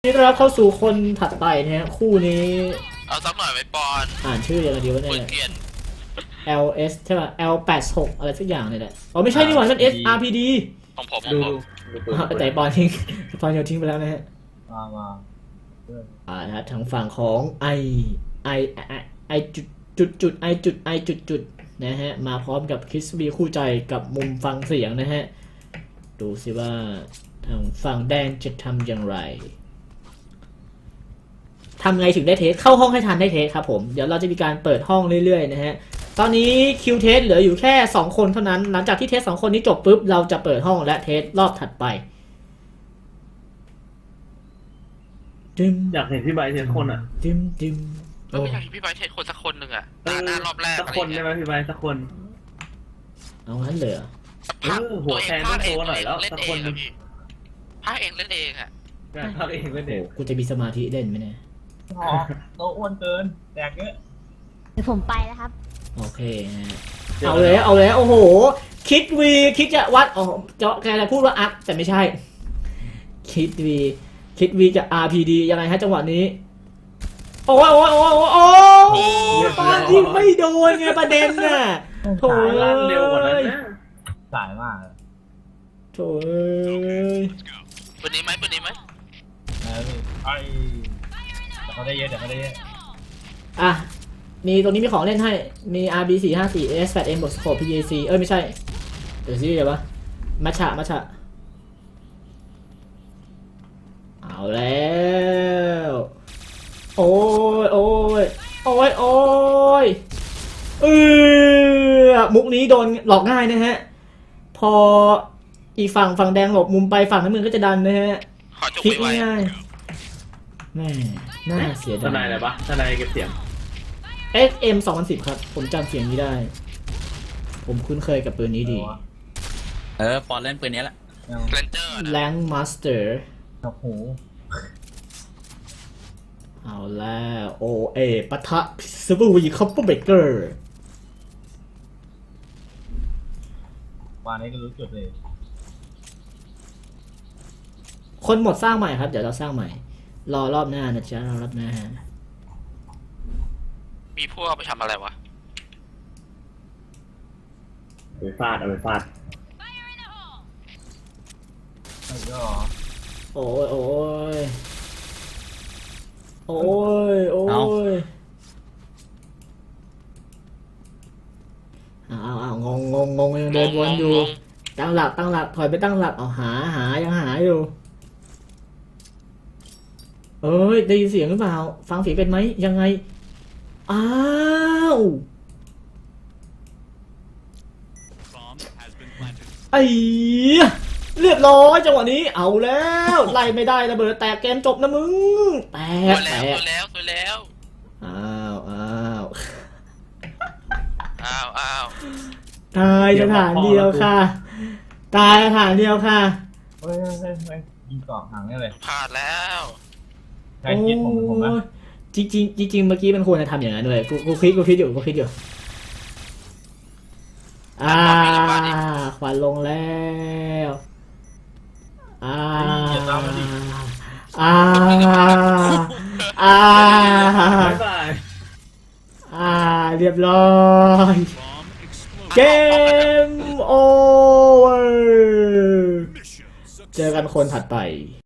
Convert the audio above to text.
นี่เราเข้าสู่คนถัดไปนะฮะคู่นี้เอาสักหน่อยไว้ปอนอ่านชื่อยังไงดีวะเนี่ยเปลี่ยน LS ใช่ป่ะ L86 อะไรสักอย่างเนี่ยแหละอ๋อไม่ใช่นี่หว่ามัน SRPD ของผมดูแต่ปอนทิ้งปอนโยนทิ้งไปแล้วนะฮะมานะครับทางฝั่งของ I จุดนะฮะมาพร้อมกับคริสบีคู่ใจกับมุมฟังเสียงนะฮะดูสิว่าทางฝั่งแดงจะทำอย่างไรทำไงถึงได้เทสเข้าห้องให้ทันได้เทสครับผมเดี๋ยวเราจะมีการเปิดห้องเรื่อยๆนะฮะตอนนี้คิวเทสเหลืออยู่แค่2คนเท่านั้นหลังจากที่เทส2คนนี้จบปุ๊บเราจะเปิดห้องและเทสรอบถัดไปอยากเห็นพี่ใบเทสคนอ่ะดิมก็ไม่อยากให้พี่ไบร์ทเทสคนสักคนหนึ่งอ่ะหน้ารอบแรกสักคนได้ไหมพี่ใบสักคนเอางั้นเลยเหรอหัวแทนต้องโตหน่อยแล้วเล่นสักเอคนงนึอะงพี่ภาคเองเล่นเองอ่ะพักเองเล่นเองกูจะมีสมาธิเล่นไหมเนี่ยอ๋อโตอ้วนเกินแดกเยอะเดี๋ยวผมไปแล้วครับโอเคนะฮะเอาเลยโอ้โหคิดจะวัดอ๋อแกจะพูดว่าอัพแต่ไม่ใช่คิดวีกับ RPD ยังไงฮะจังหวะนี้โอ้ยปายิงไม่โดนไงประเด็นน่ะโถ่ลั่นเร็วกว่านั้นนะสายมากโถ่ปืนนี้ไหมปืนนี้ไหมไอ้เขาได้เยอะเดี๋ยวเขาได้เยอะอ่ะมีตรงนี้มีของเล่นให้มี RB454 S8M บวกสโคป PAC ไม่ใช่เดี๋ยวซิเดี๋ยววะมัชฉะเอาแล้วโอ้ยมุกนี้โดนหลอกง่ายนะฮะพออีกฝั่งแดงหลบมุมไปฝั่งน้ำเงินก็จะดันนะฮะขอจบคลิกไว้ง่ายแม่น่าเสียทดายนายอะไรปะทนายเก็บเสียง SM 2010ครับผมจำเสียงนี้ได้ ผมคุ้นเคยกับปืนนี้ดีปอนเล่นปืนนี้แหละเลนเจอร์ Rank Master โอ้โหเอาแล้วโอเอปะทะซิบวีคัพเปอร์เบเกอร์วันนี้ก็รู้จุดเลยคนหมดสร้างใหม่ครับเดี๋ยวเราสร้างใหม่รอรอบหน้านะจ๊ะรอรอบหน้ามีพวกไปทำอะไรวะเอาไปฟาดโอ้ยเอางงยังเดินวนอยู่ตั้งหลักถอยไปตั้งหลักเอาหายังหาอยู่ได้ยินเสียงหรือเปล่าฟังเสียงเป็นไหมยังไงอ้าวไอ้เรียบร้อยจังหวะนี้เอาแล้วไล่ไม่ได้ระเบิดแตกเกมจบนะมึงแตตัวกแล้วอ้าวอ้าวตายสถานเดียวค่ะเฮ้ยยิงเกาะห่างได้เลยพลาดแล้วใครคิดผมนะจริงเมื่อกี้มันควรจะทำอย่างนั้นเลยกูคิดอยู่ควันลงแล้วเรียบร้อยเกมโอเวอร์เจอกันคนถัดไป